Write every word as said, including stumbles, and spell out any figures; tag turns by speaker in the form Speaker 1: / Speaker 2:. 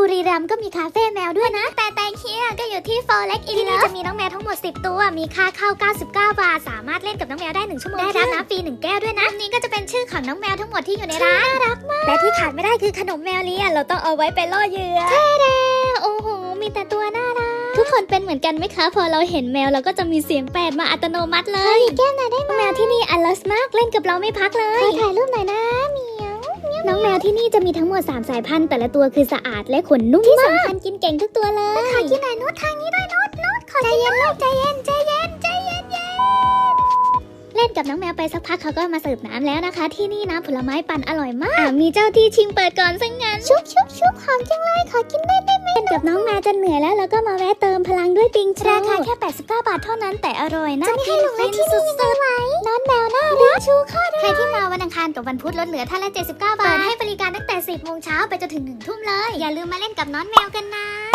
Speaker 1: รีรัมย์ก็มีคาเฟ่แมวด้วยนะแต่แตงเฮียก็อยู่ที่ Forex In Love ที่นี่จะมีน้องแมวทั้งหมดสิบตัวมีค่าเข้าเก้าสิบเก้าบาทสามารถเล่นกับน้องแมวได้หนึ่งชั่วโมงได้รับน้ำฟรีหนึ่งแก้วด้วยนะอันนี้ก็จะเป็นชื่อของน้องแมวทั้งหมดที่อยู่ในร้านน่ารักมากและที่ขาดไม่ได้คือขนมแมวเลียเราต้องเอาไว้ไปล่อเหยื่อใช่แล้วโอ้โหมีแต่ตัวน่ารักทุกคนเป็นเหมือนกันไหมคะพอเราเห็นแมวเราก็จะมีเสียงแปดมาอัตโนมัติเลยแก้มหน่อยได้ไหมแมวที่นี่อลัสมากเล่นกับเราไม่พักเลยถ่ายรูปหน่อยนะเมียวน้องแมวที่นี่จะมีทั้งหมดสามสายพันธุ์แต่ละตัวคือสะอาดและขนนุ่มมากที่สำคัญกินเก่งทุกตัวเลยขอกินหน่อยนุชทางนี้ด้วยนุชนุชขอใจเย็นลูกใจเย็นใจเย็นใจเย็นเย็นเล่นกับน้องแมวไปสักพักเขาก็มาเสิร์ฟน้ำแล้วนะคะที่นี่น้ำผลไม้ปั่นอร่อยมากมีเจ้าที่ชิงเปิดก่อนซะงั้นชุบชุบชุบหอมจังเลยขอกินได้ไหมเล่นกับน้องแมวจนเหนื่อยแล้วแล้วก็มาแวะเติมพลังด้วยปิงชูราคาแค่แปดสิบเก้าบาทเท่านั้นแต่อร่อยน่ากินฟินสุดๆน้องแมวน่ารักชูข้อใครที่มาวันอังคารกับวันพุธลดเหลือท่านละเจ็ดสิบเก้าบาทเปิดให้บริการตั้งแต่สิบโมงเช้าไปจนถึงหนึ่งทุ่มเลยอย่าลืมมาเล่นกับน้องแมวกันนะ